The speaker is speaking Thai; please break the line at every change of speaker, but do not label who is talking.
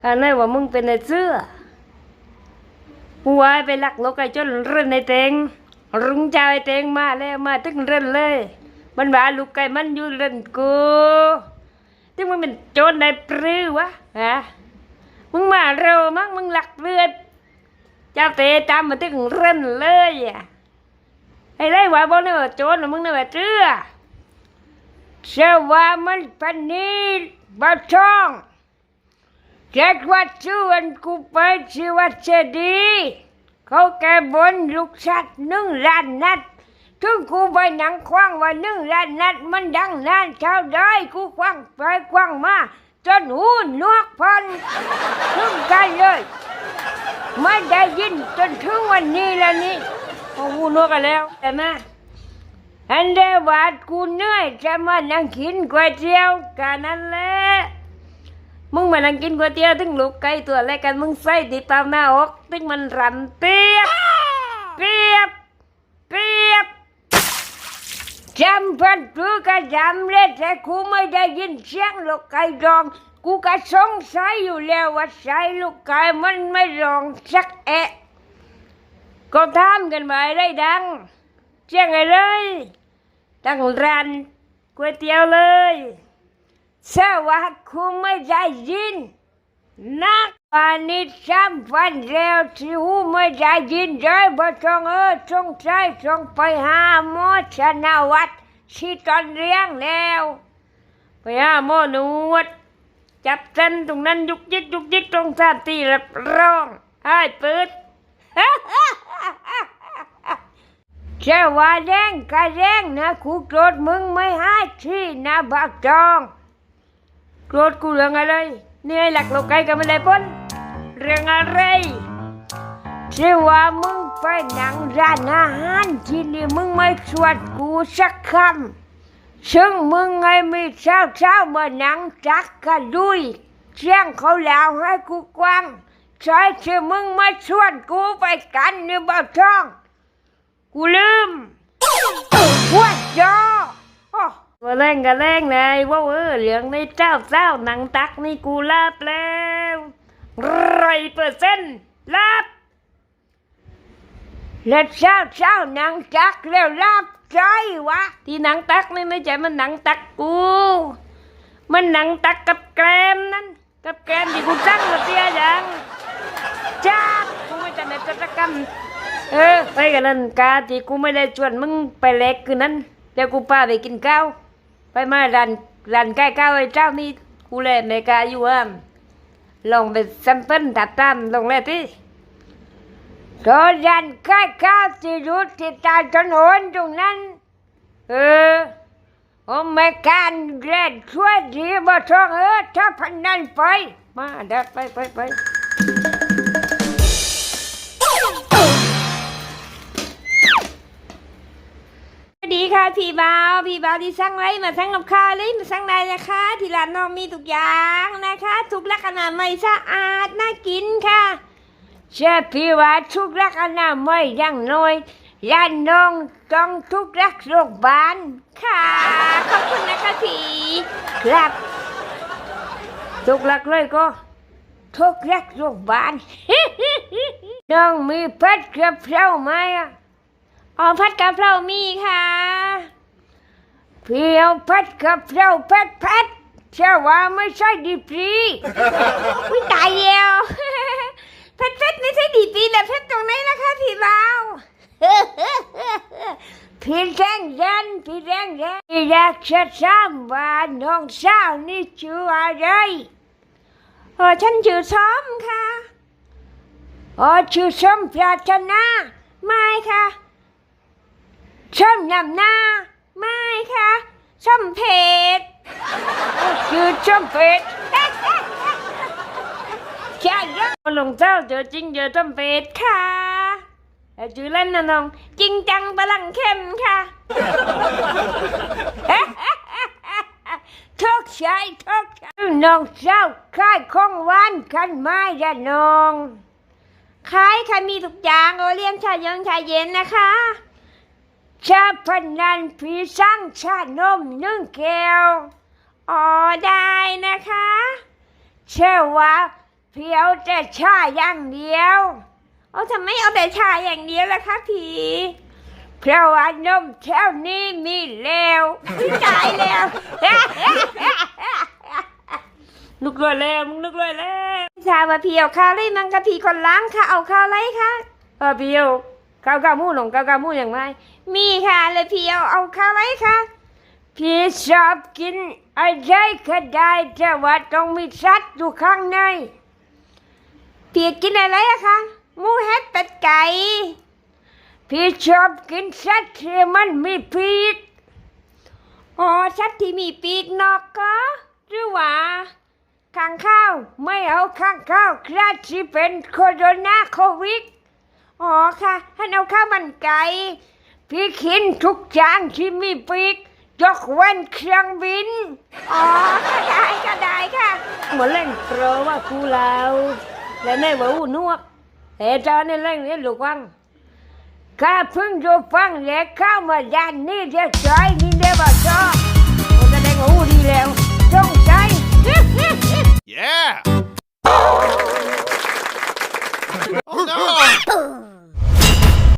อันนั้นว่ามึงเป็นไอ้เสื้อกูวายไปลักนกไอ้จนเรื่นในเตงรุงเจ้าไอ้เตงมาแล้วมาตึงเรื่นเลยมันว่าลูกไก่มันอยู่เรื่นกูที่มึงเป็นโจรได้ปรือวะฮะมึงมาเร็วมั้งมึงหลักเลือดเจ้าเตะตามมาตึงเรื่นเลยอ่ะไอ้ไรวะบอกเนี่ยว่าโจรมึงเนี่ยว่าเสื้อเชื่อว่ามันพันนี้บ้าช่องเจ็ดวัดชื่อวันกูไปชื่อวัดเจดีย์เขาแก่บนลูกชัด1 ล้านนัดถึงกูไปหนังคว้างว่า1 ล้านนัดมันดังนานเท่าใดกูคว้างไปคว้างมาจนหูนวกพันถึงกันเลยไม่ได้ยินจนถึงวันนี้แล้วนี่หูนวกกันแล้วแต่มาอันเดียวาดกูเหนื่อยจะมานั่งกินก๋วยเตี๋ยวกันนั่นแหละมึงมานั่งกินก๋วยเตี๋ยวถึงลูกไก่ตัวแรกกันมึงใส่ติดตามหน้าอกถึงมันรันเปียบเปียบเปียบจำพันตัวก็จำเลยแต่กูไม่ได้ยินเสียงลูกไก่ร้องกูก็สงสัยอยู่แล้วว่าใส่ลูกไก่มันไม่ร้องสักแอะก็ถามกันมาได้ดังเสียงอะไรตั้งร้านก๋วยเตี๋ยวเลยสวัสดิ์คุณไม่ได้ยินนักวันนี้3 วันแล้วที่หูไม่ได้ยินเลยบ่ต้องสงสัยต้องไปหาหมอชนะวัดที่ตอนเลี้ยงแล้วไปหาหมอนวดจับเส้นตรงนั้นยุกยิกยุกยิกตรงท่าตีรับร้องให้เปิดเจ้าว่าแรงก็แรงนะกูโกรธมึงไม่ให้ที่นะบักจองโกรธกูเรื่องอะไรนี่ไอ้หลักโลกไก่ก็ไม่ได้พ้นเรื่องอะไรที่ว่ามึงไปนั่งร้านอาหารที่นี่มึงไม่ชวนกูสักคำซึ่งมึงไงมีเช้ามานั่งจักกันด้วยเสียงเขาแล้วให้กูกวางใช่ที่มึงไม่ชวนกูไปกันนี่บ่ท้องกูลืมว่าจอว่าแรงก็แรงไงว่าเหลืองในเจ้าหนังตักนี่กูลาบแล้ว100%ลาบแล้วเช้าหนังตักแล้วลาบใจวะที่หนังตักนี่ไม่ใช่มันหนังตักกูมันหนังตักกับแกรมนั่นกับแกรมที่กูตั้งมาเสียอย่างจ้ากูไม่จะในกิจกรรมไปกันนั่นกาที่กูไม่ได้ชวนมึงไปเล็กคืนนั้นเดี๋ยวกูพาไปกินข้าวไปมาร้านใกล้ข้าวไอ้เจ้านี่กูเลยไม่กล้าอยู่ลองไปซัมเปิลตัดตามลงเลยที่ตอนร้านใกล้ข้าวที่รูดที่ตาถนนตรงนั้นโอ้ไม่การเรียนช่วยดีบ่ท้องถ้าพันนั้นไปมาเดี๋ยวไปดีค่ะพี่บ่าวที่สั่งไว้มาสั่งกับข้าวเลยมาสั่งได้นะคะที่ร้านน้องมีทุกอย่างนะคะทุกลักษณะไม่สะอาดน่ากินค่ะเชื่อพี่ว่าทุกลักษณะไม่ยังน้อยร้านน้องต้องทุกลักโรงพยาบาลค่ะขอบคุณนะคะพี่ครับทุกลักเลยก็ทุกลักโรงพยาบาล น้องมีพัดกระเพราไหมผัดกะเพรามีค่ะพี่เอาผัดกะเพราเผ็ดเชื่อว่าไม่ใช่ดีปรีวิตายแล้วเผ็ดไม่ใช่ดีปรีแต่เผ็ดตรงไหนล่ะคะพี่บ่าวพี่แรงยันอยากจะถามว่าน้องสาวนี่ชื่ออะไรฉันชื่อส้มค่ะชื่อส้มปรารถนาไม่ค่ะส้มนำหน้าไม่ค่ะส้มเผ็ดชื่อส้มเผ็ดใช่ยังลงเจ้าเจอจริงเจอส้มเผ็ดค่ะชื่อเล่นนะน้องจริงจังพลังเข้มค่ะทุกชายน้องเจ้าขายของหวานกันไหมจ้ะน้องขายค่ะมีทุกอย่างเลี้ยงชาเย็นนะคะชาพันนันผีสั่งชานม1 แก้วได้นะคะเชื่อว่าพี่เอาแต่ชาอย่างเดียวเอาทำไมเอาแต่ชาอย่างเดียวล่ะคะพี่เพราะว่านมแถวนี้มีแล้วพี่ตายแล้ว นึกเลยแล้วมึงนึกเลยแล้วชาว่าพี่เอาข้าวไรมังคะพี่คนล้างค่ะเอาข้าวไรคะพี่เอาข้าวกาหมูหลงข้าวกาหมูอย่างไรมีค่ะเลยพี่เอาข้าวไรคะพี่ชอบกินอะไรก็ได้แต่ว่าต้องมีสัตว์อยู่ข้างในพี่กินอะไรอะคะหมูเห็ดเป็ดไก่พี่ชอบกินสัตว์ที่มันมีปีกอ๋อสัตว์ที่มีปีกนกก็หรือว่าข้างข้าวไม่เอาข้างข้าวคราดที่เป็นโคโรนาโควิดอ๋อค่ะให้เอาข้าวมันไก่พี่กินทุกจานที่มีปีกยกเว้นเครื่องบินอ๋อก็ได้ค่ะเหมือนเล่นโปรว่ากูเราและในว่าอูนวกแต่ตอนนี้เล่นนี่ลูกวังข้าเพิ่งจะฟังและเข้ามาด้านนี้เดี๋ยวจอยนี่เดี๋ยวบอกจอ